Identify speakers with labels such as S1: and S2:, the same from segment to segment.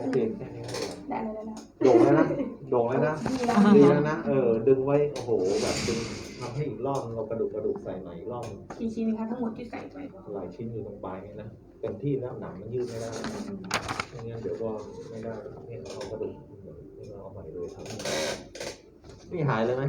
S1: เจนแค่นี้
S2: ได้เลยนะ
S1: โด่งแล้วนะโด่งแล้วนะดีแล้วนะดึงไว้โอ้โหแบบดึงทำให้อีกรอบเรากระดูกใส่ใหม่อีกรอบ
S2: กี่ชิ้นคะทั้งหมดที่ใส่ไป
S1: หลายชิ้นอยู่ตรงปลายนี่นะเต็มที่แล้วหนังมันยืดไม่ได้ไม่งั้นเดี๋ยวก็ไม่ได้เนี่ยเรากระดูกนี่เราเอาใหม่เลยทั้งหมดนี่หายเลยไหม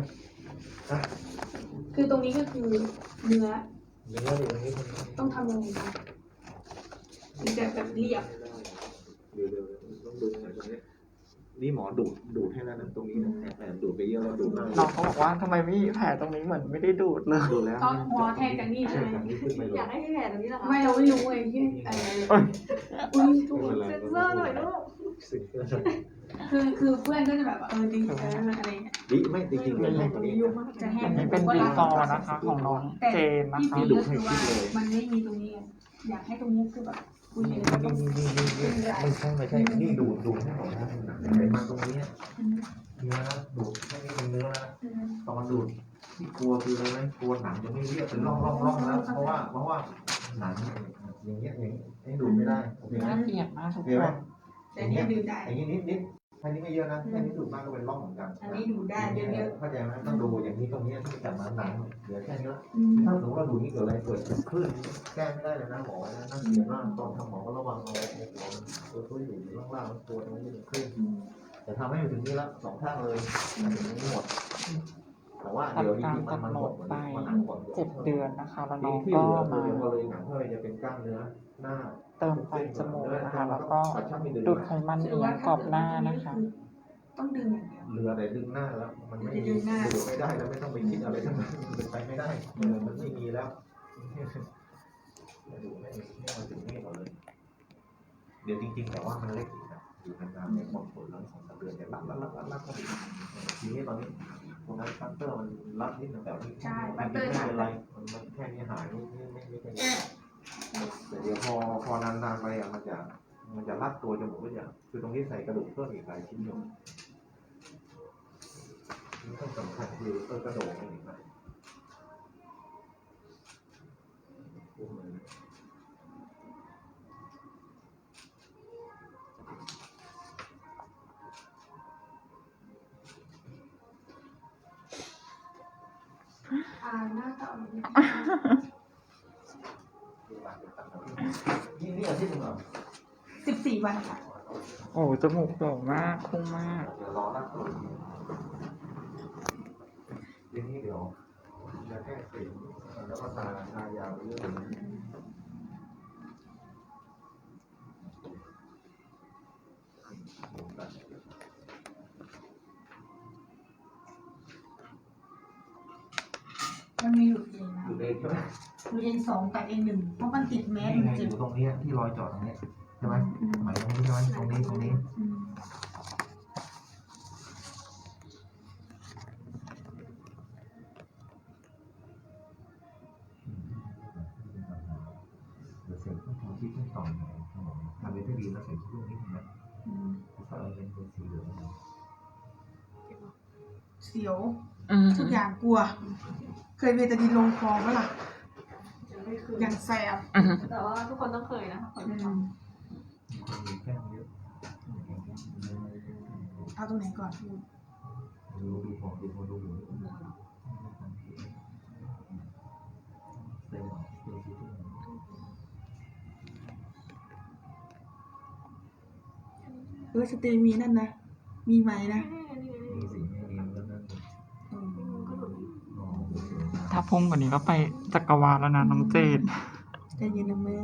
S2: คือตรงนี้ก็คือเนื้อ
S1: เนื้ออยู่ตรงนี้
S2: ต้องทำยังไงคะมันจะแบบเรียบ
S1: เดี๋ยวต้องดูหน่อยตรงนี้นี่หมอดูดให้แล้วนะตรงนี้นะแอบดูดไปเยอะแล้วดูดมาก
S3: น้องเขาบอกว่าทำไมไม่มีแผลตรงนี้เหมือนไม่ได้ดูดเลย
S1: ดูแล้ว
S2: ก็หมอแทนกันนี่ใช่ไหม
S1: นี่ขึ้นไปเล
S4: อย ยากให้แผลตรงนี้เหรอคะ
S2: ไม่เราไม่รู้ไงที่อุ้ยถูก
S4: เซ็นเซอร์หน่อยลูก
S2: คือเพื่อนก็จะแบบดีอะไรเงี้ย
S1: ดิไม่จริงๆเป็นแห้งกว่านี้
S2: จะแห้
S3: อั
S2: ง
S3: นนี้เป็นบีฟอร์นะคะของน้องเจนนะ
S2: ที่
S3: คะ
S2: ฟีก็คือว่ามันไม่มีตรงนี้อยากให้ตรงนี้คือแบบคุณเห็นแล้วต้อง
S1: ไม่ใช่นี่ดูให้หน่อยนะไขมันตรงนี้เนื้อดูดไม่เป็นเนื้อนะตอนดูดที่กลัวคืออะไรไหมกลัวหนังจะไม่เรียบเป็นร่องแล้วเพราะว่าหนังอย่างเงี้ยให้ดูดไม่ได้โอเคไหม
S3: น่าเกลียดมากทุก
S1: โอเค
S3: ค
S1: ไหม
S3: น
S2: แต่เนี้ยดูได้
S1: อย่างนี้นิดแค่นี้ไม่เยอะนะแค่นี้ดูดมากก็เป็นร่องเหมือนกัน
S2: อันนี้ดูได้เยอะ
S1: เข้าใจไหมต้องดูอย่างนี้ตรงนี้ที่จับมาหนังเหลือแค่นี้ละ
S2: ๆ
S1: ถ้าสมมติว่าดูนี่เกิดอะไรเกิดคลื่นแก้ไม่ได้เลยนะหมอนะนั่งเสียมากตอนทำหมอก็ระวังเอาตัวช่วยอยู่ล่างๆตัวตรงนี้เป็นคลื่นแต่ทำให้ถึงนี่ละสองข้างเลยถึงนี้หมดแต่ว่าเดี๋ยวจ
S3: ทำตาม
S1: ริงๆ
S3: กำ
S1: มัน
S3: หน
S1: หม
S3: ด
S1: ด
S3: ไป
S1: มันหนักกว่า
S3: 7 เดือนนะคะแล้วน้อง
S1: ที่
S3: ก็
S1: เหลือ
S3: มา
S1: พอเลยหนังเท่าไรจะเป็นกล้ามเนื้อหน้า
S3: เติมไฟจมูกนะคะแล้วก็ดูดไขมันเลี้ยงกรอบหน้านะคะ
S2: ต้องดึงอย่างเดียว
S1: เรือแต่ดึงหน้าแล้วมันไม่ดูไม่ได้แล้วไม่ต้องไปคิดอะไรทั้งนั้นมันไปไม่ได้มันไม่มีแล้วดูไม่มาถึงนี่ก่อนเลย เดี๋ยวจริงๆแต่ว่ามันเล็กอีกนะอยู่นานๆในความผลแล้ว2-3 เดือนจะรัดก็ดีทีนี้ตอนนี้ตรงนั้นปัตเตอร์มันรัดนิดนึงแต่นี่ไม่เป็นไรมันแค่นี้หายไม่เป็นไรแต่เดี๋ยวพอนานๆไปอ่ะมันจะรัดตัวจมูกก็จะคือตรงนี้ใส่กระดูกเพิ่มอีกหลายชิ้นอยู่นี่ต้องสำคัญคือกระดูกนี่นะ
S2: หน้าตา
S1: นี่อาทิตย์นึงเหรอ
S2: 14 วันค่ะ
S3: โอ้จมูกโด่งมากคุ้งมาก
S1: เดี๋ยวรอรัดตัวเดี๋ยวนี้เดี๋ยวจะแค่ติดแล้วก็ทายาไปเรื่อย
S2: มันมีหลุดเองนะ
S1: อยู่เองใช่ไหม
S2: หลุดเอง2กับเอง1เพราะมันติดแมส
S1: นี่ไง
S2: จ
S1: อ
S2: ริง
S1: ยู่ตรงนี้ที่รอยจอดตรงนี้ใช่ไหมหมายตรงนี้ใช่ไหมตรงนี้เดี๋ยวเสร็จต้องทำที่ต้องต่อหน่อยทำไปได้ดีแล้วเสร็จช่วงนี้นะถ้าเราเป็นสีเหลือง
S2: เสียวทุกอย่างกลัว เคยเวทดินลงคอเมื่อไหร่อย่างแสบ
S4: แต่ว่าทุกคนต้องเคยนะคะคนที่ท
S1: มีแก้มเยอะ
S2: เอาตรงไหนก่อน
S1: ดูของดูเต็ม
S2: สเตมีนั่นนะ มีไหมนะ
S1: มีสิ่งไม่มีแล้วนั่น
S3: ถ้าพุ่งกว่านี้ก็ไปจักรวาลแล้วนะน้องเจน
S2: ใจเย็นนะแม่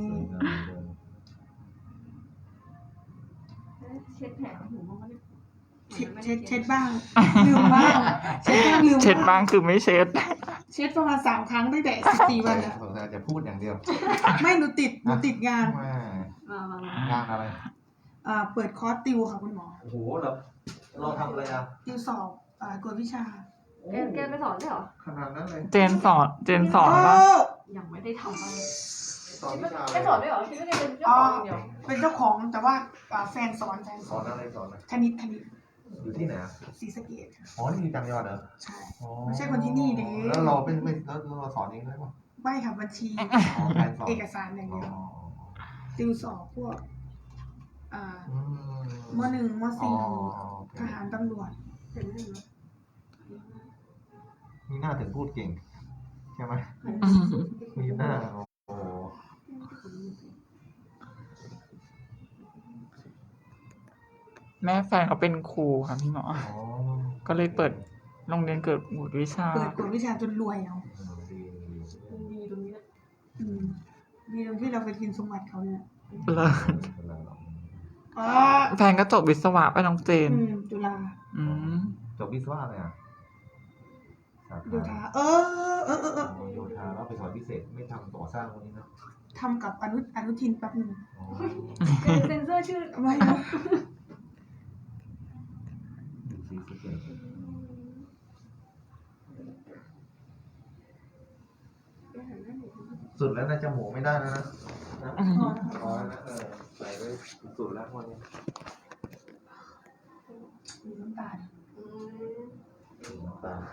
S4: เช็ดแผลหูมันก็ได้
S2: เช็ดบ้าง ลืมบ้าง เช็ดบ้างลืม
S3: เช็ดบ้างคือไม่เช็ด
S2: เช็ดประมาณ3 ครั้งตั้งแต่14 วันอะ
S1: อาจจะพูดอย่างเดียว
S2: ไม่หนูติดงาน
S1: งานอะไร
S2: เปิดคอร์สติวค่ะคุณหมอ
S1: โอ้โหเหรอเราทำอะไรอ่ะ
S2: ติวสอบกวดวิชา
S4: แกไปสอนได้เหรอ
S1: ขนาดนั้นเลย
S3: เจนสอนปะ
S4: ยังไม่ได้ทำอะไร
S1: สอนวิชา
S4: แกสอนได้เหรอคิดว่าแกเป็นเจ้าของเดียว
S2: เป็นเจ้าของแต่ว่าแฟนสอน
S1: สอนอะไรสอนอะไร
S2: คณิต
S1: อยู่ที่ไหน
S2: ศรีสะเกษค่ะ
S1: อ๋อนี่อยู่จังหวัดเหรอ
S2: ใช่ ไม่ใช่คนที่นี่เด้
S1: แล้วเราเป็นไม่แล้วเราสอนเองได้ป่ะ
S2: ไม่ค่ะบัญชี
S1: แฟนสอน
S2: เอกสารอย่างเดียวติวสอบพวก
S1: อืม
S2: มหนึ่งม
S1: อ๋อ
S2: สี่
S1: โอเค
S2: ทหารตำรวจ
S4: เห็นไหมเนาะ
S1: นี่น่าถึงพูดเก่ง ใช่ไหม
S3: อืม
S1: มีหน้าโอ้โห
S3: แม่แฟนเขาเป็นครูค่ะพี่หมอ
S1: อ๋อ
S3: ก็เลยเปิดโรงเรียนเกิดหมุดวิชา
S2: เปิดกวดวิชาจนรวยเอา
S1: ดี
S4: มันดีตรงนี้แหละ
S2: อืมดีตรงที่เราไปกินสมบัติเขาเนี่ย
S3: เลย
S2: อ๋อ
S3: แฟนก็จบวิศวะไปน้องเจน
S2: จุฬา
S3: อืม
S1: จบวิศวะเลยอ่ะสา
S2: โย
S1: ขา
S2: ธา
S1: โยธาแล้วไปสอนพิเศษไม่ทำก่อสร้างพวกนี้เนอะ
S2: ทำกับอนุทินแป๊บหนึ่ง
S1: อ๋อ
S4: เซนเซอร์ชื่อ
S2: ไม่นะ
S1: สีสะเกษสุดแล้วนะจมูกไม่ได้แล้วนะนะ
S3: อืม
S1: พอแล้วนะใส่ไว้สุดแล้ววันนี้
S2: มีน้ำตาล
S1: น้ำตา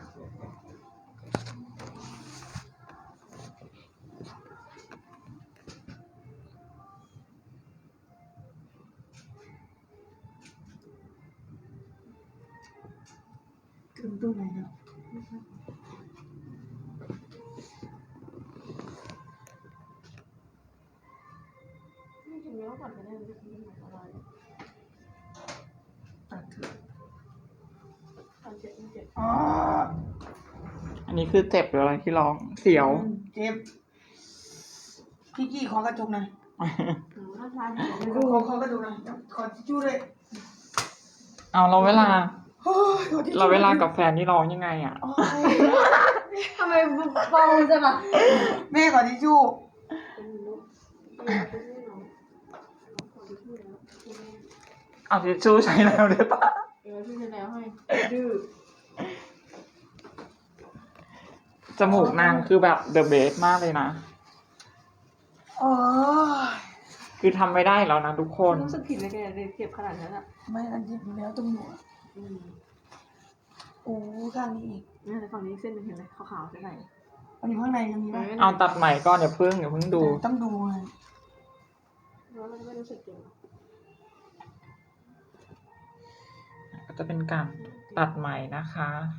S2: ถึงตรงไหนแล้ว
S4: ไม่ถึงแล้วก่อนจะได้ไม่ถึงอะไร
S2: ตัดเถอะ
S4: 37
S2: อ๋อ
S3: อันนี้คือเจ็บหรืออะไรที่ร้อง เสียว
S2: เจ็บพี่กี้ขอกระจกหน่อย
S4: ถ้าทานเดี๋ยว
S2: ขอกระจกหน่อยขอทิชชู่เลย
S3: เอาเราเวลา
S2: โอ้ยขอทิชชู่
S3: เราเวลากับแฟนนี่ร้องยังไงอ่ะ
S2: โอ้ย
S4: ทำไมเบาจังอ่ะ
S2: แม่ขอทิชชู่
S4: เป็นลูกเป็นน้องขอที่ชื่อแล้ว
S3: เอาทิชชู่ใช้แล้วได้ปะ
S4: พี่จะแล้วให้ดื้อ
S3: จมูกนางคือแบบเดอะเบสมากเลยนะ
S2: โอ้ย
S3: คือทำไม่ได้แล้วนะทุกคน
S4: รู้สึกผิดเลยแกเลยเจ็บขนาดนั้นอ่ะ
S2: ไม่อันเจ็บอยู่แล้วตรงหัวโอ้ข้างนี้อีก
S4: เนี่ยในฝั่งนี้เส้นนึงเห็นไหมขาวๆใช่ไหม
S2: อันนี้ข้างในยังมีไหม
S3: เอาตัดใหม่ก่อนอย่าเพิ่งดู
S2: ต้องดูเลย
S4: แล้วมันไม่รู้สึกเจ็บ
S3: ก็จะเป็นการตัดใหม่นะคะ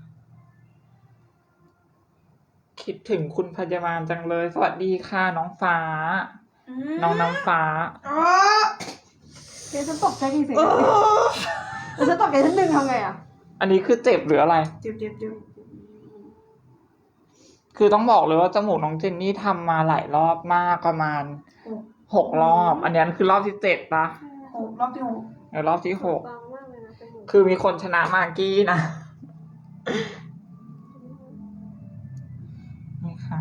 S3: คิดถึงคุณพยาบาลจังเลย สวัสดีค่ะน้องฟ้า น้องน้ำฟ้า
S2: อ๋อ
S4: เดี๋ยวฉันตกใจกี่สิแล้วฉันตกใจชั้นหนึ่งทำไงอ่ะ
S3: อันนี้คือเจ็บหรืออะไร
S2: เจ็บ
S3: คือต้องบอกเลยว่าจมูกน้องเจนนี่ทำมาหลายรอบมากประมาณ6 รอบ อันนี้คือรอบที่7ปะ
S2: รอบที่หก
S3: ในรอบที่
S4: บางมากเลยนะเป็นหมู
S3: 6คือมีคนชนะมากกี้นะ นี่ค่ะ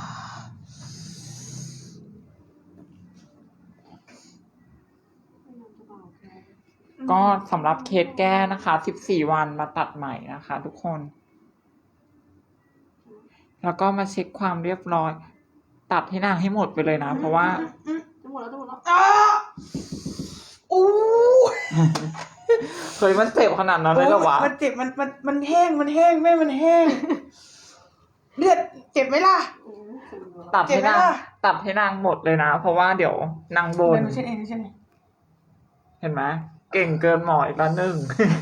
S3: ก็สำหรับเคสแก้นะคะ14 วันมาตัดใหม่นะคะ ทุกคน แล้วก็มาเช็คความเรียบร้อย ตัดให้นางให้หมดไปเลยนะ เพราะว่า
S4: จะหมดแล้วจะหมดแล้ว
S2: อ๋ออู้
S3: เคยมันเจ็บขนาดนั้นเลยเหรอวะ
S2: มันเจ็บมันแห้งแม่มันแห้งเลือดเจ็บไหมล่ะ
S3: ตัดให้นาง
S2: เจ็บไหมล่ะ
S3: ตัดให้นางหมดเลยนะ เพราะว่าเดี๋ยวนางบน
S2: เดี๋ยวหนูเช็ดเอง
S3: เห็นไหมเก่งเกินหมออีกแล้วหนึ่ง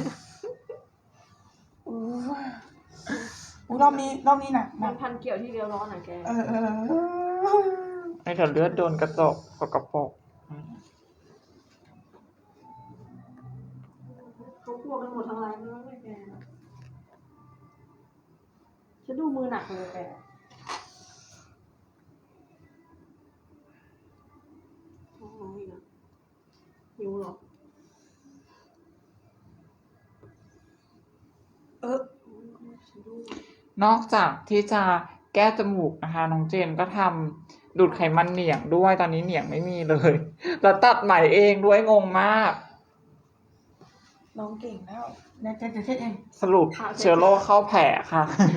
S2: อู้รอบนี้หนัก
S4: มันพันเกี่ยวที่เดียวร้อนอ่ะแก
S3: ไอ้เถอะเลือดโดนกระจกกระปก
S4: เขากลัวกันหมดทั้งร้านไม่ว่าแกฉันดูมือหนักเลยแกท้องร้องอีกอ่ะหิวเหรอ
S3: นอกจากที่จะแก้จมูกนะคะน้องเจนก็ทำดูดไขมันเหนียงด้วยตอนนี้เหนียงไม่มีเลย แล้วตัดใหม่เองด้วยงงมาก
S2: น้องเก่งแล้วนะจะเช็ดเอง
S3: สรุปเชื้อโรคเข้าแผลค่ะ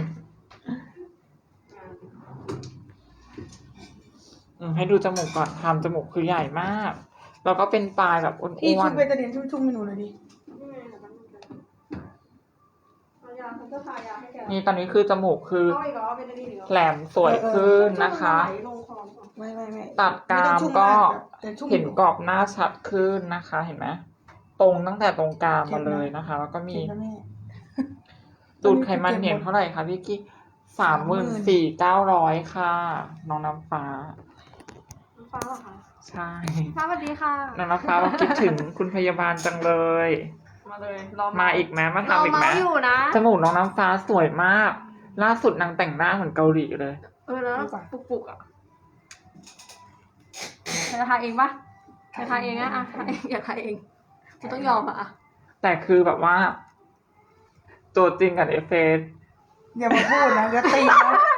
S3: ให้ดูจมูกก่อนทำจมูกคือใหญ่มาก แล้วก็เป็นปลายแบบอ้
S2: พี่
S3: ว
S2: ชุ
S3: น
S2: บเบตาดีนชุ่มๆให้หนูหน่อยดิ
S3: ๆนี่ตอนนี้คือจมูกคือ
S4: เอาอีกเหรอเป็นอะไรอีกเหรอ
S3: แหลมสวยขึ้นนะคะ
S4: ลงคอ
S2: ไม่
S3: ตัดกรามก็
S2: แต่ชุ่ม
S3: เห็นกรอบหน้าชัดขึ้นนะคะ เห็นไหมตรงตั้งแต่ตรงกลางมาเลยนะคะ แล้วก็มี
S2: เจ็บนะแม่
S3: ดูดไขมันเหนียงเท่าไหร่คะพี่กี้34,900ค่ะ น้องน้ำฟ้า
S4: น้ำฟ้าเหรอคะ
S3: ใช่
S4: ฟ้าสวัสดีค่ะ
S3: น้องน้ำฟ้าเราคิดถึงคุณพยาบาลจังเลย
S4: มาเลยรอ
S3: มาอีกไหมมา
S4: เรา
S3: ทำอีกไหม
S4: เมาอยู่นะ
S3: จมูกน้องน้ำฟ้าสวยมาก ล่าสุดนางแต่งหน้าเหมือนเกาหลีเลย
S4: นะปุกๆอ่ะจะทาเองปะจะทาเองนะทาเองอยากทาเองกูต้องยอมอ่ะ
S3: แต่คือแบบว่า ตัวจริงกับเอฟเฟกต์
S2: อย่ามาพูดนะอย่าตีนะ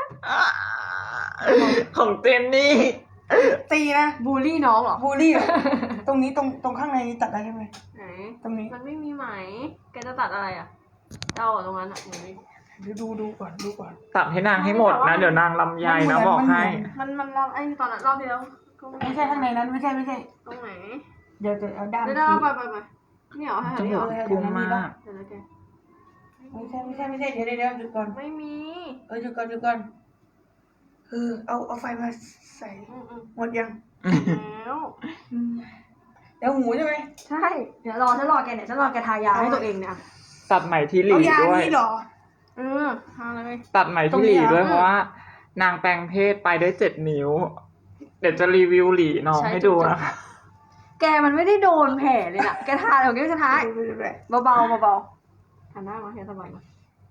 S3: ของเจนนี่
S2: ตีนะ
S4: บูลลี่น้องเหรอ
S2: บูลลี่เหรอตรงนี้ตรงข้างในนี้ตัดได้ใช่ไหม
S4: ไหน
S2: ตรงนี้
S4: มันไม่มีไหมแกจะตัดอะไรอ่ะเอาตรงนั้นอ่ะ
S2: เดี๋ยวดูก่อนดูก่อน
S3: ตัดให้นางให้หมดนะ เดี๋ยวนางลำไยนะบอกให้
S4: มันรอบไอ้ตอนนั้นรอบที่แล้วก็
S2: ไม่ใช่ข้างในนั้นไม่ใช่
S4: ตรงไหน
S2: เดี๋ยวจะเอาด้าม
S4: เดี๋ยว
S2: ชี้
S4: เราไปนี่เหรอให้
S3: จ
S4: นี่
S3: มู
S4: เหร
S3: ก
S4: อ
S3: พุ่งมาก
S4: เดี๋ยวนะแก
S2: ไม่ใช่เดี๋ยวหยุดก่อน
S4: ไม่มี
S2: หยุดก่อนเอาไฟมาใส่หมดยัง
S4: แล้ว
S2: แล้วหูใช่ไหม
S4: ใช่ เดี๋ยวฉันรอแกเนี่ยฉันรอแกทายาให้ตัวเองเนี่ย
S3: ตัดไหมที่หลี
S2: เอายา
S3: ด้วย
S2: นี้เหรอ
S4: ทาเลย
S3: ตัดไหมที่หลีด้วยเพราะว่า นางแปลงเพศไปได้7 นิ้ว เดี๋ยวจะรีวิวหลีน้องให้ดูนะคะ
S4: แกมันไม่ได้โดนแผลเลยนะแกทาเดี๋ยวแกจะทาเบาทาหน้ามาแค่สบายมา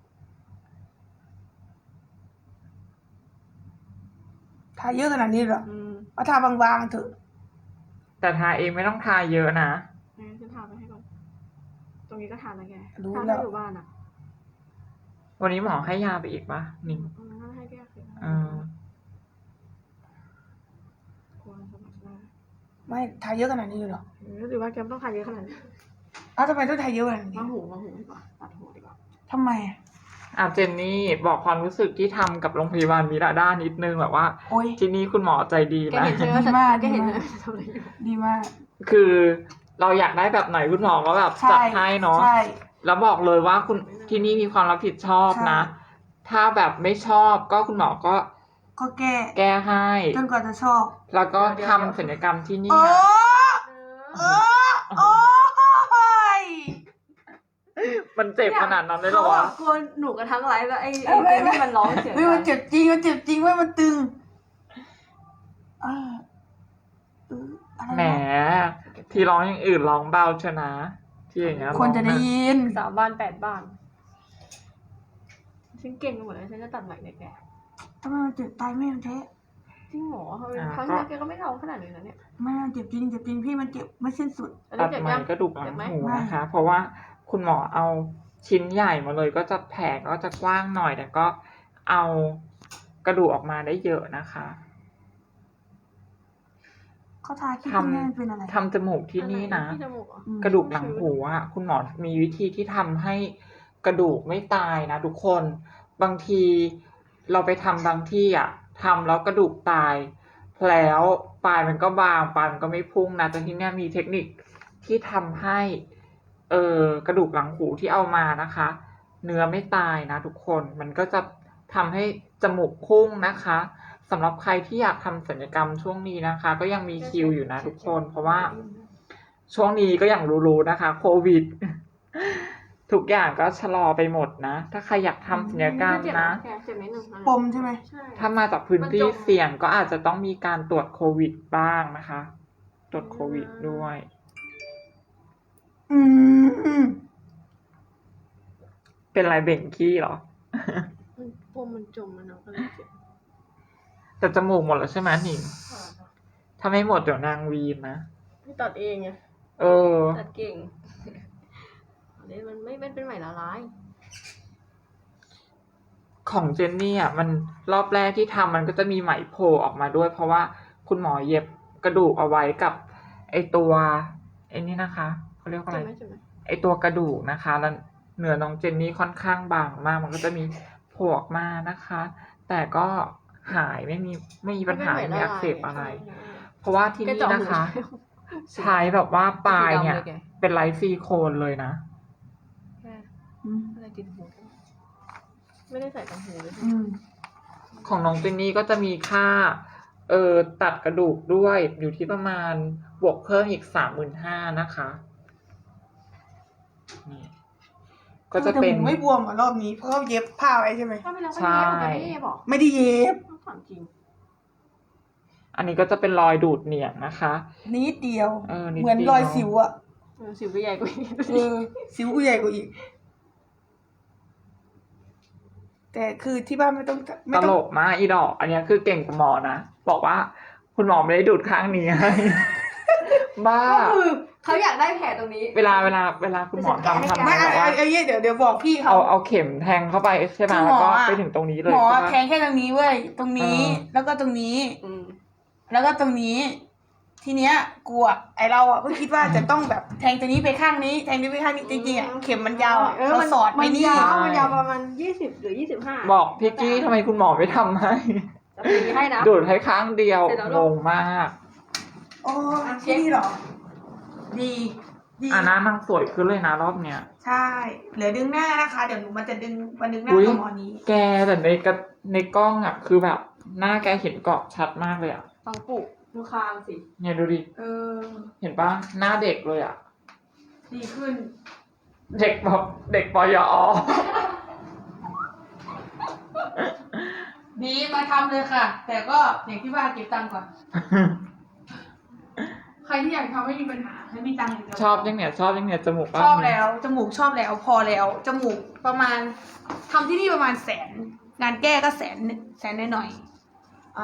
S2: ทาเยอะขนาดนี้เหรอเอาทาบางๆเถอะ
S3: แต่ทาเองไม่ต้องทาเยอะนะ
S4: ฉันทาไปให้ก่อนตรงนี้ก็ทานะแก
S2: รู้
S4: ทา
S2: แล้
S4: ให้
S2: ว
S4: อยู่บ้านอ่ะ
S3: วันนี้หมอให้ยาไปอีกปะนิ่ง
S4: นั่นให้แกสิ ควรสมัครได้
S2: ไม่ทาเยอะขนาดนี้เลยเหรอ
S4: หรือว่าแกต้องทาเยอะขนาดนี้
S2: ทำไมต้องทาเยอะขนาดนี้
S4: มาหูดีกว่าตัดหูดีกว่า
S2: ทำไม
S3: เจนนี่บอกความรู้สึกที่ทำกับโรงพยาบาลมิราด้านิดนึงแบบว่า
S2: โอ้ย
S3: ที่นี่คุณหมอใจดี
S4: แก
S3: นะ
S4: เห็นใช่ไหม
S2: ดีมาก
S4: แกเห็นเลยทำอะไรอยู่
S2: ดีมาก
S3: คือเราอยากได้แบบไหนคุณหมอก็แบบจัดให้เนาะ
S2: ใช่
S3: แล้วบอกเลยว่าคุณที่นี่มีความรับผิดชอบนะ ถ้าแบบไม่ชอบก็คุณหมอก็
S2: ก็แก้
S3: แก้ให้
S2: จนกว่าจะชอบ
S3: แล้วก็ทำศัลยกรรมที่นี่
S2: โอ้
S3: นะ
S2: โอ้ย
S3: มันเจ็บขนาดนั้นเลยเหรอวะ
S4: กลัวหนูกันทั้งไลฟ์แล้วไอ้ที่มันร้องเสียง
S2: เฮ้ยมันเจ็บจริงเว้ยมันตึงอะไร
S3: แหม ที่ร้องอย่างอื่นร้องเบาชนะที่อย่างเงี้ย
S2: คนจะได้ยิน
S4: 3 บ้าน 8 บ้านฉันเก่งไปหมดเลยฉันจะตัดใหม่เนี่ยแก
S2: ทำไมมันเจ็บตายไม่มันแท้
S4: จริงเหรอครั้งแรกแกก็ไม่ร้องขนาดนี้นะเนี่ย
S2: ไม่มันเจ็บจริงพี่มันเจ็บไม่สิ้นสุด
S3: ตัดไหมกระดูกหลังหูนะคะ เพราะว่าคุณหมอเอาชิ้นใหญ่มาเลยก็จะแผลก็จะกว้างหน่อยแต่ก็เอากระดูกออกมาได้เยอะนะคะ
S2: เขาทาคิดที่แม่เป็นอะไร
S3: ทำจมูกที่นี่นะ
S4: ที่จมูกเหรอก
S3: ระดูกหลังหูอ่ะคุณหมอมีวิธีที่ทำให้กระดูกไม่ตายนะทุกคนบางทีเราไปทำบางที่อ่ะทำแล้วกระดูกตายแล้วปลายมันก็บางปลายมันก็ไม่พุ่งนะแต่ที่เนี้ยมีเทคนิคที่ทำให้กระดูกหลังหูที่เอามานะคะ เนื้อไม่ตายนะทุกคนมันก็จะทำให้จมูกพุ่งนะคะสำหรับใครที่อยากทำศัลยกรรมช่วงนี้นะคะ ก็ยังมีคิวอยู่นะทุกคนเพราะว่าช่วงนี้ก็อย่างรู้ๆนะคะโควิด ทุกอย่างก็ชะลอไปหมดนะ ถ้าใครอยากทำศัลยกรรมนะ
S4: เจ็บนิดนึง
S2: ปมใช่ไหม
S4: ใช่
S3: ถ้ามาจากพื้นที่เสี่ยงก็อาจจะต้องมีการตรวจโควิดบ้างนะคะ ตรวจโควิดด้วย เป็นไรเบ่งขี้เหรอ
S4: ปมมันจมมันก็เลยเจ็บ
S3: แต่จมูกหมดแล้วใช่ไหมหนิงถ้าไม่หมดเดี๋ยวนางวีนนะ
S4: ไม่ตัดเองไง ตัดเก่งอันนี้มันไม่เป็นไหมละลาย
S3: ของเจนนี่อ่ะมันรอบแรกที่ทำมันก็จะมีไหมโผล่ออกมาด้วย เพราะว่าคุณหมอเย็บกระดูกเอาไว้กับไอตัวไอ้นี่นะคะเขาเรียกว่าอะไรไอตัวกระดูกนะคะแล้วเนื้อน้องเจนนี่ค่อนข้างบางมากมันก็จะมีโผล่ออกมานะคะ แต่ก็หายไม่มีปัญหาไม่มีอักเสบอะไร เพราะว่าที่นี่นะคะ ใช้แบบว่าปลายเนี่ยเป็นไลท์ซิลิโคนเลยนะ
S4: อะไรติดหูไม่ได้ใส่ตังหูเลย
S3: ของน้องเจนนี่ก็จะมีค่าตัดกระดูกด้วยอยู่ที่ประมาณบวกเพิ่มอีก 35,000นะคะนี่ก็จะเป็น
S2: แต่หมูไม่บวมอ่ะรอบนี้เพราะเขาเย็บผ้าไว้ใช่ไหม
S4: ถ้าไม่แล้วก็
S3: ใช่
S4: เย็บมันจะไม่เย็บหรอ
S2: ไม่ได้เย็บ
S4: ต้องถามจริง
S3: อันนี้ก็จะเป็นรอยดูดเหนียงนะคะ
S2: นิดเดียว
S3: นิด
S2: เหมือน
S3: เดียว
S2: รอยสิวอ่ะ
S4: สิวก็ใหญ่กว่านี้
S2: สิวกูใหญ่กว่าอีก แต่คือที่บ้านไม่ต้อง
S3: ตลกมากอีดอก อันนี้คือเก่งกว่าหมอนะบอกว่าคุณหมอไม่ได้ดูดข้างนี้ให้ บ้า
S4: ก็คือเขาอยากได้แผลตรงนี้
S3: เวลาคุณหมอทำ
S2: ไม่
S3: ให้แบบว่า
S2: ไอ้เดี๋ยวบอกพี่เขา
S3: เอาเข็มแทงเข้าไปใช่ไหม
S2: คือหม
S3: แล้ว
S2: อ
S3: ก็
S2: อะ
S3: ไปถึงตรงนี้เลย
S2: หมอ
S3: ใช่ปะ
S2: แทงแค่ตรงนี้เว้ยตรงนี้ แล้วก็ตรงนี้
S4: อืม
S2: แล้วก็ตรงนี้ ทีเนี้ยกลัวไอเราอ่ะก็คิดว่าจะต้องแบบแทงตรงนี้ไปข้างนี้ แทงนี้ไปข้างนี้จริงๆอ่ะเข็มมันยาวอ่ะเขาสอดไปนี่
S4: มันยาวประมาณ20 หรือ 25
S3: บอกพี่กี้ทำไมคุณหมอไม่ทำให้
S4: จะตีให้นะ
S3: ดูดให้ข้างเดียว
S4: เสร็จแล้ว
S3: ง
S4: ลูก
S3: งมาก
S2: โอ้ที่นี่เหรอ ดีดี
S3: หน้านางสวยขึ้นเลยนะรอบเนี้ย
S2: ใช่เหลือดึงหน้านะคะ เดี๋ยวหนูมันจะดึงหน้า
S3: อุ๊ย
S2: กับหมอนี้
S3: แกแต่ในกล้องอ่ะ คือแบบหน้าแกเห็นเกาะชัดมากเลยอ่ะ
S4: ฟังปุดูคางสิ
S3: เนี่ยดูดิ
S2: เออ
S3: เห็นปะหน้าเด็กเลยอ่ะ
S2: ดีขึ้น
S3: เด็กแบบเด็กปยอ
S2: ดีมาทำเลยค่ะ แต่ก็อย่างที่ว่าเก็บตังค์ก่อน ใครที่อยากทำไม่มีปัญหาให้มีตังค์อย่างเดียว
S3: ชอบยังเนี่ยจมูก
S2: ชอบแล้วจมูกชอบแล้วพอแล้วจมูกประมาณทำที่นี่ประมาณ100,000งานแก้ก็แสนหน่อยๆ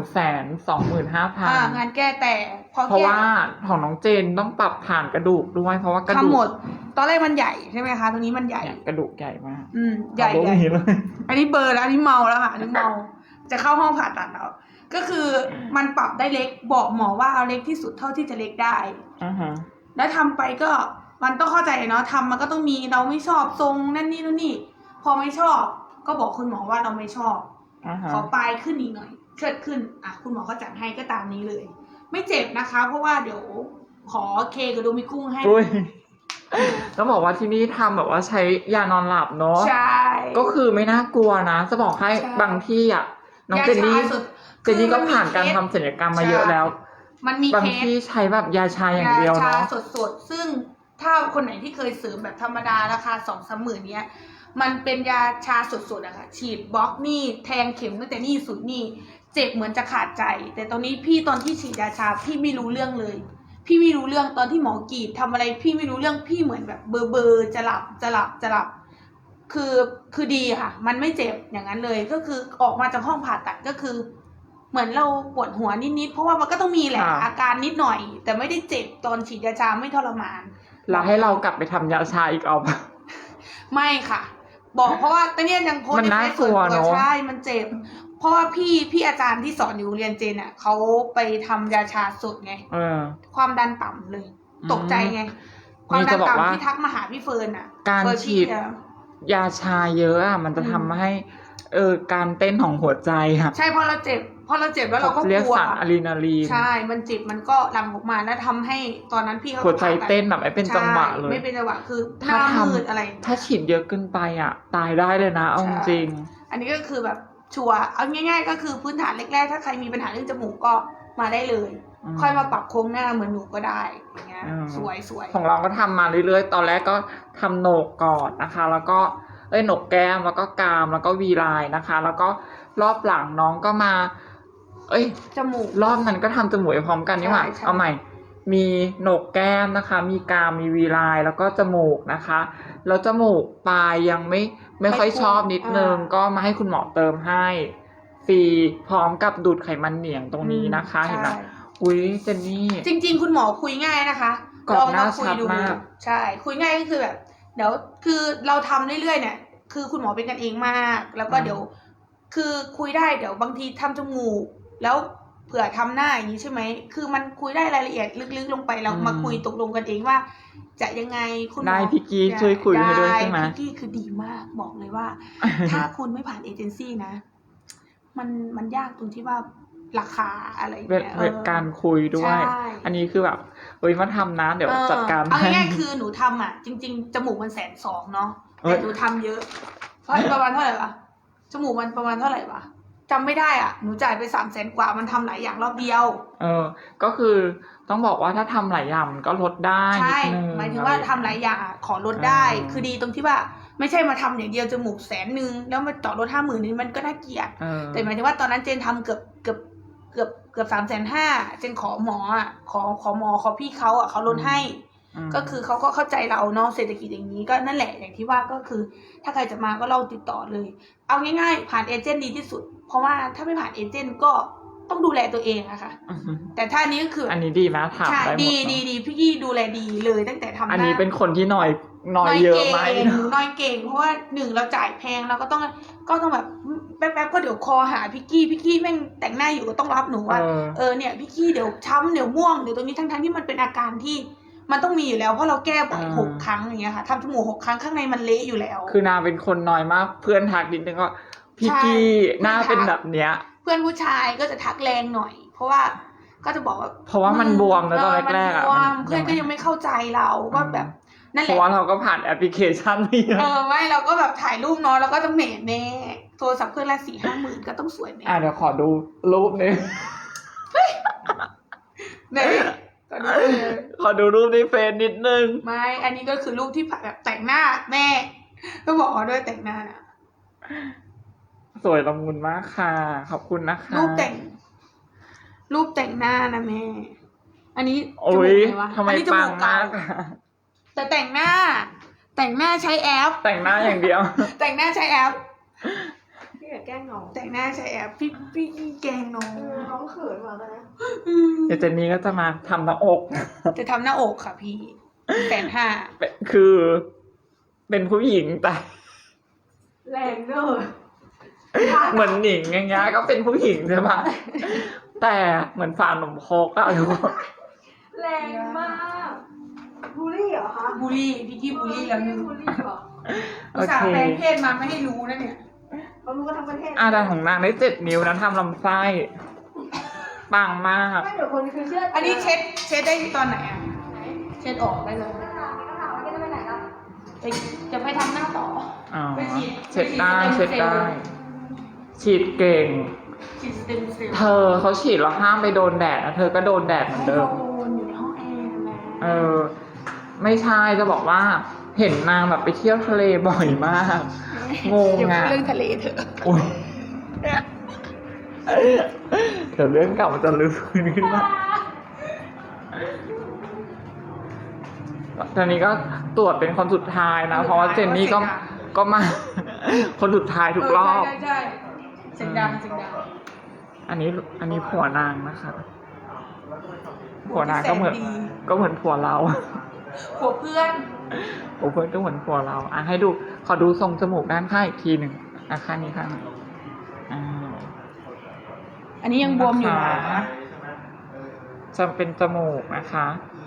S3: 125,000
S2: งานแก้แต่พอ
S3: เพราะ
S2: แก้
S3: ว่าของน้องเจนต้องปรับฐานกระดูกด้วยเพราะว่ากระดู
S2: ทำ
S3: ก
S2: หมด ตอนแรกมันใหญ่ใช่ไหมคะตรงนี้มันใหญ่
S3: เนี่ยกระดูกใหญ่มาก
S2: ใหญ่
S3: เอา
S2: ใหญ่
S3: นี้เลย
S2: อันนี้เบลอร์แล้วอันนี้เมาแล้วค่ะอันนี้เมา จะเข้าห้องผ่าตัดแล้ว ก็คือมันปรับได้เล็กบอกหมอว่าเอาเล็กที่สุดเท่าที่จะเล็กได้
S3: อ่าฮะ
S2: แล้วทำไปก็มันต้องเข้าใจเนาะทำมันก็ต้องมีเราไม่ชอบทรงนั่นนี่นู่นนี่ พอไม่ชอบ ก็บอกคุณหมอว่าเราไม่ชอบ
S3: อ่าฮะ
S2: ขอปลายขึ้นอีกหน่อยเชิดขึ้นคุณหมอก็จัดให้ก็ตามนี้เลย ไม่เจ็บนะคะ เพราะว่าเดี๋ยวขอเคกับโดมิกุ้งให้
S3: อุ้ยต้องบอกว่าที่นี่ทำแบบว่าใช้ยานอนหลับเนาะ
S2: ใช่
S3: ก็คือไม่น่ากลัวนะ จะบอกให้
S2: ใช่
S3: บางที่อ่ะน้องเจนนี่
S2: ยาชาสุด
S3: เจนนี่ก็ผ่านการทำศัลยกรรมมาเยอะแล้ว
S2: มันมี
S3: บาง
S2: เคส
S3: ที่ใช้แบบยาชาอย่างเดียวเนาะ
S2: ยชสดๆ ซึ่งถ้าคนไหนที่เคยเสริมแบบธรรมดาราคา2-3 หมื่นเนี้ย มันเป็นยาชาสดๆอะค่ะ ฉีดบล็อกนี่แทงเข็มตั้งแต่นี่สุดนี่ เจ็บเหมือนจะขาดใจ แต่ตอนนี้พี่ตอนที่ฉีดยาชาพี่ไม่รู้เรื่องเลย พี่ไม่รู้เรื่องตอนที่หมอกรีดทำอะไรพี่ไม่รู้เรื่องพี่เหมือนแบบเบอร์จะหลับ คือดีค่ะ มันไม่เจ็บอย่างนั้นเลย ก็คือออกมาจากห้องผ่าตัดก็คือ เหมือนเราปวดหัวนิดๆเพราะว่ามันก็ต้องมีแหละ
S3: ค่ะ
S2: อาการนิดหน่อย แต่ไม่ได้เจ็บตอนฉีดยาชาไม่ทรมาน
S3: แล้วให้เรากลับไปทำยาชาอีกเอาปะ
S2: ไม่ค่ะ บอกเพราะว่าตอนนี้ยังโพสต์
S3: มัน
S2: ใน
S3: น่า
S2: เฟซส่วน
S3: กลัว
S2: ตัว
S3: เนอะ
S2: ใช่มันเจ็บ เพราะว่าพี่อาจารย์ที่สอนอยู่โรงเรียนเจนอ่ะเขาไปทำยาชาสดไง
S3: เออ
S2: ความดันต่ำเลย ตกใจไง ความ
S3: นี่
S2: ดั
S3: จะ
S2: น
S3: บอกว่า
S2: ต่ำที่ทักมาหาพี่เฟิร์นอ่ะ
S3: การ
S2: เฟิร์น
S3: ฉีด
S2: พี่อะ
S3: ยาชาเยอะอ่ะมันจะทำให้การเต้นของหัวใจค่ะ
S2: ใช่พอเราเจ็บแล้วเราก็
S3: เรียก
S2: กลัว
S3: สารอะดรีนาลีน
S2: ใช่ มันเจ็บมันก็หลั่งออกมาแล้วทำให้ตอนนั้นพี่เขา
S3: หัวใจเต้นแบบไม่เป็นจังหวะเลย
S2: ใช่ไม่เป็นจังหวะคือห
S3: ถ้า
S2: น้า
S3: ทำ
S2: มืดอะไร
S3: ถ้าฉีดเยอะเกินไปอ่ะ ตายได้เลยนะเอาจริง
S2: อันนี้ก็คือแบบชัวร์เอาง่ายๆ ก็คือพื้นฐานแรกๆถ้าใครมีปัญหาเรื่องจมูกก็มาได้เลย ค่อยมาปรับโครงหน้าเหมือนหนูก็ได้อย่างเงี้ยสวย
S3: ของเราก็ทำมาเรื่อยๆ ตอนแรกก็ทำโหนกก่อนนะคะ แล้วก็โหนกแก้มแล้วก็กรามแล้วก็วีไลน์นะคะ แล้วก็รอบหลังน้องก็มา
S2: จมูก
S3: รอบนั้นก็ทำจมูกไปพร้อมกันนี่หว่า
S2: ใช่
S3: เอาใหม่ มีโหนกแก้มนะคะ มีกรามมีวีไลน์แล้วก็จมูกนะคะแล้วจมูกปลายยังไม่ค่อยชอบนิดนึงก็มาให้คุณหมอเติมให้ฟรีพร้อมกับดูดไขมันเหนียงตรงนี้นะคะ เห็นไหม
S2: ใช่
S3: อุ้ยเจนนี่
S2: จริง ๆ คุณหมอคุยง่ายนะคะ
S3: กรอบหน้า
S2: คุย
S3: ชัด
S2: ดู
S3: มาก
S2: ใช่คุยง่ายก็คือแบบเดี๋ยวคือเราทำเรื่อยๆเนี่ยคือคุณหมอเป็นกันเองมาก แล้วก็เดี๋ยวคือคุยได้เดี๋ยวบางทีทำจมูกแล้วเผื่อทำหน้าอย่างนี้ใช่ไหมคือมันคุยได้รายละเอียดลึกๆลงไปแล้วมาคุยตกลงกันเองว่า จะยังไงคุณหมอ
S3: ได้พี่กี้ช่วยคุยให้ด้วยใช่ไหม
S2: พี่กี้คือดีมากบอกเลยว่า ถ้าคุณไม่ผ่านเอเจนซี่นะ มันยากตรงที่ว่าราคาอะไรอย่าง
S3: เว
S2: เงี้ย
S3: ลการคุยด้วย
S2: ใช่
S3: อันนี้คือแบบมาทำนะเดี๋ยวจัดการ
S2: เอา
S3: ให้
S2: ง่ายๆคือหนูทำอ่ะ จริง ๆ จมูกมัน120,000เนาะ
S3: เอ้
S2: แต่
S3: ย
S2: หนูทำเยอะเพราะประมาณเท่าไหร่วะจมูกมันประมาณเท่าไหร่วะจำไม่ได้อ่ะหนูจ่ายไป300,000 กว่ามันทำหลายอย่างรอบเดียว
S3: ก็คือต้องบอกว่าถ้าทำหลายอย่างมันก็ลดได้
S2: ใช่
S3: นิดนึง
S2: หมายถึงว่าทำหลายอย่างอะขอลดได้ คือดีตรงที่ว่าไม่ใช่มาทำอย่างเดียวจมูก100,000แล้วมาต่อลด50,000นี่มันก็น่าเกลียด แต่หมายถึงว่าตอนนั้นเจนทำเกือบ350,000เจนขอหมออ่ะขอหมอขอพี่เขาอ่ะเขาลดให้ ก็คือเขาก็เข้าใจเราเนาะเศรษฐกิจอย่างนี้ก็นั่นแหละอย่างที่ว่าก็คือ ถ้าใครจะมาก็เราติดต่อเลย เอาง่ายๆผ่านเอเจนต์ดีที่สุด เพราะว่าถ้าไม่ผ่านเอเจนต์ก็ต้องดูแลตัวเองอะค่ะ แต่ถ้านี้ก็คือ
S3: อันนี้ดีนะถาม
S2: ใช่
S3: ได้หมด
S2: ดี
S3: เนอะ
S2: ดีพี่กี้ดูแลดีเลยตั้งแต่ทำหน้า
S3: อันนี้เป็นคนที่น้อยเยอะไหม
S2: น้อยเก่งเพราะว่า1เราจ่ายแพงเราก็ต้องแบบแป๊บๆก็เดี๋ยวคอหาพี่กี้แม่งแต่งหน้าอยู่ก็ต้องรับหนูว่าเนี่ยพี่กี้เดี๋ยวช้ำเดี๋ยวม่วงเดี๋ยวตรงนี้ทั้งที่มันเป็นอาการที่มันต้องมีอยู่แล้วเพราะเราแก้บ่อย6 ครั้งอย่างเงี้ยค่ะทำจมูก6 ครั้งข้างในมันเละอยู่แล้ว
S3: คือนางเป็นคนน้อยมากเพื่อนทักนิดนึงก็พี่กี้หน้าเป็นแบบเนี้ย
S2: เพื่อนผู้ชายก็จะทักแรงหน่อย เพราะว่าก็จะบอกว่า
S3: เพราะว่ามันบวมนะตอนแรกๆอ่ะ
S2: เพื่อนก็ยังไม่เข้าใจเราว่าแบบนั่นแห
S3: เพ
S2: ละ
S3: ราะว่าเราก็ผ่านแอปพลิเคชันนี่นะ
S2: ไม่เราก็แบบถ่ายรูปเนาะแล้วก็จะเหม่แน่โทรศัพท์เครื่องละ4-5 หมื่นก็ต้องสวยแน่
S3: เดี๋ยวขอดูรูปนึง
S2: ตอนนี้เลย
S3: ขอดูรูปในเฟซนิดนึง
S2: ไม่อันนี้ก็คือรูปที่แบบแต่งหน้าแม่ก็บอกเขาด้วยแต่งหน้านะ
S3: สวยละมุนมากค่ะขอบคุณนะคะ
S2: รูปแต่งหน้านะแม่อันนี้จ
S3: โอ้
S2: มูก
S3: ย
S2: ไหนวะ
S3: ทำไม
S2: อันนี้จ
S3: ปั
S2: มู
S3: ง
S2: กเก่าม
S3: ากอะ
S2: แต่แต่งหน้าใช้แอป
S3: แต่งหน้าอย่างเดียว
S2: แต่งหน้าใช้แอป
S4: พี่อย่าแกล้งน้อง
S2: แต่งหน้าใช้แอปพี่แกล้งน้อง
S4: น้องเขินมากเลยนะ
S3: เดี๋ยวเจนนี้ก็จะมาทำหน้าอก
S2: จะทำหน้าอกค่ะพี่150,000
S3: คือเป็นผู้หญิงแต่
S4: แรงเด้อ
S3: เหมือนหนิงอย่างเงี้ยก็เป็นผู้หญิงใช่ปะแต่เหมือนฝาหนมโคกอะทุกคน
S4: แรงมากบูลลี่เหรอคะ
S2: บูลลี่พี่กี้บูลลี่แล้วนึง
S4: บูลลี่เหรอ
S3: โอ
S2: อุตส่า
S3: เค
S2: ห์แปลงเพศมาไม่ให้รู้นะเนี่ย
S4: เขารู้กันทั้งประเทศ
S3: แต่ของนางได้7 นิ้วนะทำลำไส้ปังมาก
S4: ไม่เดี๋ยวคนคือเชื่อ
S2: อันนี้เช็ดได้ตอนไหนอ่ะเช็ดออกได้เลย
S4: ก็ถามว่าจะไปไหนล่ะ
S2: จะไปทำหน้าต่อ
S3: อ๋อ
S2: ไปฉีด
S3: เช็ดได้
S2: ไปฉี
S3: เช็
S2: ด
S3: ด
S2: สเต็ม
S3: ได้ ฉีดเก่ง
S2: ฉีดสเต็มเซลล์
S3: เธอเขาฉีดแล้วห้ามไปโดนแดดนะเธอก็โดนแดดเหมือนเดิม
S2: อยู่ในห้องแอร์นะ
S3: ไม่ใช่จะบอกว่า เห็นนางแบบไปเที่ยวทะเลบ่อยมาก งง
S2: เดี๋ยว
S3: อ่ะ
S2: เรื่องทะเลเถอะ
S3: อุ๊ยเดี๋ยวเรื่องเก่ามันจะลืมขึ้นมาตอนนี้ก็ตรวจเป็นคนสุดท้ายนะ เพราะว่าเจนนี่ก็มา คนสุดท้ายทุกรอบ
S2: ใช่เสียงดัง
S3: อันนี้ผัวนางนะคะ ผัวนางก็เหมือน
S2: แสนดี
S3: ผัวเรา
S2: ผัวเพื่อน
S3: โอ้เพื่อนก็เหมือนผัวเราให้ดูขอดูทรงจมูกด้านข้างอีกทีหนึ่งข้างนี้ข้างนี้
S2: อันนี้ยังบวมอยู่นะ
S3: จะเป็นจมูกนะคะ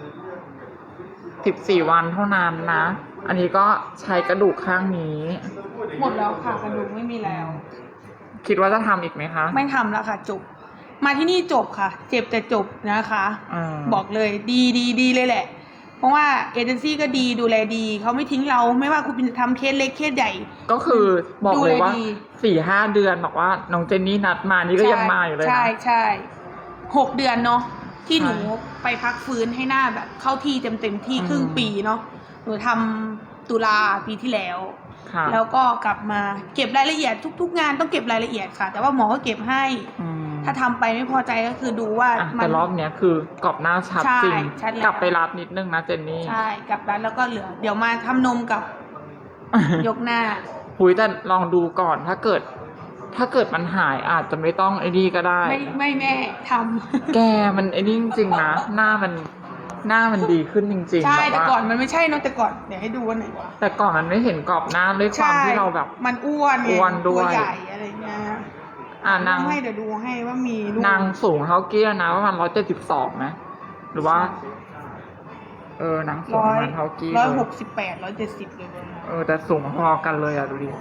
S3: 14 วันเท่านั้นนะ อันนี้ก็ใช้กระดูกข้างนี้
S2: หมดแล้วค่ะกระดูกไม่มีแล้ว
S3: คิดว่าจะทำอีกไหมคะ
S2: ไม่ทำแล้วค่ะจบ มาที่นี่จบค่ะ เจ็บแต่จบนะคะ บอกเลยดีเลยแหละ เพราะว่าเอเจนซี่ก็ดีดูแลดีเขาไม่ทิ้งเราไม่ว่าคุณจะทำเคสเล็กเคสใหญ่
S3: ก็คือบอกเลยว่า
S2: ดูแลดี
S3: 4-5 เดือนบอกว่าน้องเจนนี่นัดมานี่ก็ยังมาอยู่เลยนะ
S2: ใช่6 เดือนเนาะที่หนูไปพักฟื้นให้หน้าแบบ เข้าที่เต็มที่ครึ่งปีเนาะหนูทำตุลาปีที่แล้ว
S3: ค่ะ
S2: แล้วก็กลับมาเก็บรายละเอียดทุกๆงานต้องเก็บรายละเอียดค่ะ แต่ว่าหมอก็เก็บให้ ถ้าทำไปไม่พอใจก็คือดูว่า
S3: แต่รอบเนี้ยคือกรอบหน้าชัดจริง
S2: ชัดแล้ว
S3: กลับไปรับนิดนึงนะเจนนี่
S2: ใช่กลับร้านแล้วก็เหลือ เดี๋ยวมาทำนมกับยกหน้า
S3: หุยแต่ลองดูก่อนถ้าเกิดมันหายอาจจะไม่ต้องไอ้นี่ก็ได้
S2: ไม่แม่ทำ
S3: แกมันไอ้นี่จริงๆนะหน้ามันดีขึ้นจริงๆ
S2: ใช่
S3: แบบ
S2: แต่
S3: ว่า
S2: ก่อนมันไม่ใช่เนอะแต่ก่อนเดี๋ยวให้ดูว่าไหนวะ
S3: แต่ก่อนมันไม่เห็นกรอบหน้าด้วยความที่เราแบบ
S2: มันอ้วนไง
S3: อ้วนด้วย
S2: ตัวใหญ่อะไรเงี้ย
S3: นาง
S2: ให้เดี๋ยวดูให้ว่ามีรูป
S3: นางสูงเท่าเกี้ยนะประมาณ172นะหรือว่านางสูงประมาณเท่ากี้เลย
S2: 168 170เลยนะ
S3: แต่สูงพอกันเลยดูดิ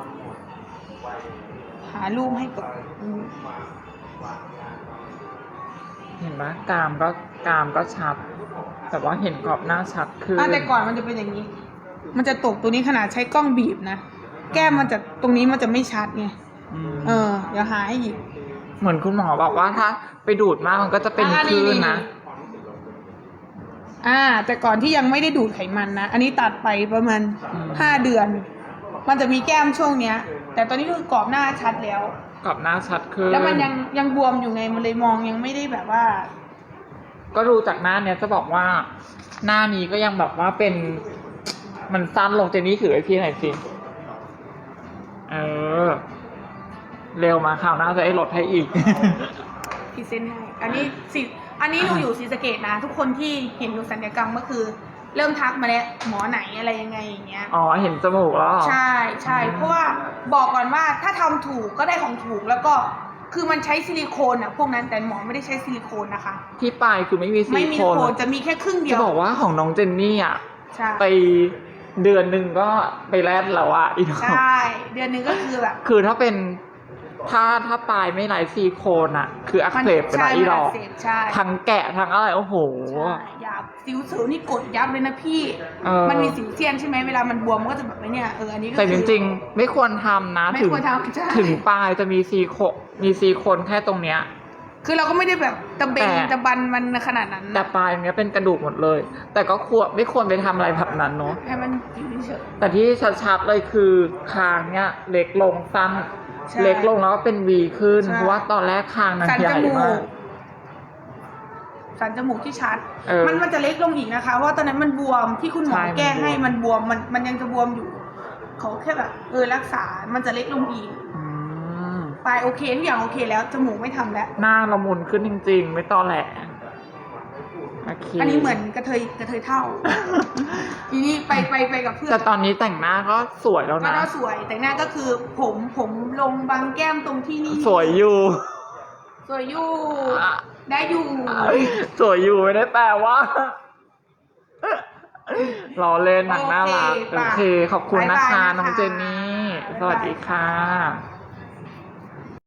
S2: หารูปให้ก่อน
S3: เห็นไหมกรามก็ชัดแต่ว่าเห็นกรอบหน้าชัดขึ้น
S2: แต่ก่อนมันจะเป็นอย่างนี้ มันจะตกตัวนี้ขนาดใช้กล้องบีบนะแก้มมันจะตรงนี้มันจะไม่ชัดไง
S3: อืม
S2: เดี๋ยวหาให้อีก
S3: เหมือนคุณหมอบอกว่าถ้าไปดูดมากมันก็จะเป็นคลื่นนะ
S2: แต่ก่อนที่ยังไม่ได้ดูดไขมันนะ อันนี้ตัดไปประมาณ
S3: อืม
S2: 5 เดือน มันจะมีแก้มช่วงเนี้ย แต่ตอนนี้คือกรอบหน้าชัดแล้ว
S3: กับหน้าชัดขึ้น
S2: แล้วมันยังบวมอยู่ไง มันเลยมองยังไม่ได้แบบว่า
S3: ก็ดูจากหน้าเนี้ยจะบอกว่า หน้านี้ก็ยังแบบว่าเป็น มันสั้นลงเจนนี่ถือไอพี่หน่อยสิเร็วมาข่าวหน้าจะให้ลดให้อีก
S2: พรีเซนต์ให้อันนี้หนูอยู่ศรีสะเกษนะ ทุกคนที่เห็นหนูศัลยกรรมก็คือ เริ่มทักมาแล้วหมอไหนอะไรยังไงอย่างเงี้ย
S3: อ๋อเห็นจมูกแล้วเหรอ
S2: ใช่เพราะว่าบอกก่อนว่าถ้าทำถูกก็ได้ของถูกแล้วก็คือมันใช้ซิลิโคนพวกนั้นแต่หมอไม่ได้ใช้ซิลิโคนนะคะ
S3: ที่ปลายคือไม่มีซิ
S2: ไม่
S3: ลิ
S2: มี
S3: โค
S2: โคน
S3: น
S2: จะมีแค่ครึ่งเดี
S3: จะ
S2: ยว
S3: บอกว่าของน้องเจนนี่อ่ะ
S2: ใช่
S3: ไปเดือนหนึ่งก็ไปแลดแล้วอ่ะอีก
S2: ใช่เดือนหนึงก็คือแบบ
S3: คือถ้าเป็นถ้าปลายไม่ไหลซิลิโคนอ่ะ คืออักเสบไปหลายดอก
S2: ใช่
S3: ทั้งแกะทั้งอะไรโอ้โห
S2: ยับสิวเสือนี่กดยับเลยนะพี่ มันมีสิวเซียนใช่ไหมเวลามันบวมมันก็จะแบบไอ้เนี่ยอันนี้ก็
S3: แต่จริงๆ ไม่ควรทำนะ
S2: ไม่
S3: ถึง
S2: ควรทำใช่
S3: ถึงปลายจะมีซีโคนแค่ตรงเนี้ย
S2: คือเราก็ไม่ได้แบบตะเบง
S3: แต่
S2: ตะบันมันขนาดนั้น
S3: แต่ปลายเนี้ยเป็นกระดูกหมดเลย แต่ก็ไม่ควรไปทำอะไรแบบนั้นเนาะ
S2: ให้มันอยู่เฉย
S3: แต่ที่ชัดๆเลยคือคางเนี้ยเล็กลงสั้น
S2: ใช่
S3: เล็กลงแล้วก็เป็นวีขึ้น
S2: ใช่
S3: เพราะว่าตอนแรกคางนาง
S2: สัน
S3: ให
S2: จ
S3: ญ่
S2: มู
S3: มาก ก
S2: สันจมูกที่ชัด
S3: เออ
S2: มันจะเล็กลงอีกนะคะ เพราะว่าตอนนั้นมันบวมที่คุณหมอ
S3: ใช่
S2: แก้ให้
S3: มันบวม
S2: มันยังจะบวมอยู่ เขาแค่แบบรักษา มันจะเล็กลงอีก
S3: อืม
S2: ปลายโอเคทุกอย่างโอเคแล้ว จมูกไม่ทำแล้ว
S3: หน้าละมุนขึ้นจริงๆ ไม่ตอแหลโอเค
S2: อันนี้เหมือนกระเทยเท่า ทีนี้ไปกับเพื่อน
S3: แต่ตอนนี้แต่งหน้าก็สวยแล้ว
S2: ก็
S3: นะ
S2: น่าสวย แต่หน้าก็คือผมลงบางแก้มตรงที่นี่
S3: สวยอยู่
S2: สวยอยู่ ได้อยู่
S3: สวยอยู่ไม่ได้แปลว่าล้อเล่นหนังน่ารัก
S2: โอเค
S3: โอเค ขอบคุณนะคะ
S2: บ๊ายบายนะคะ
S3: น้องเจนนี่ สวัสดีค่ะ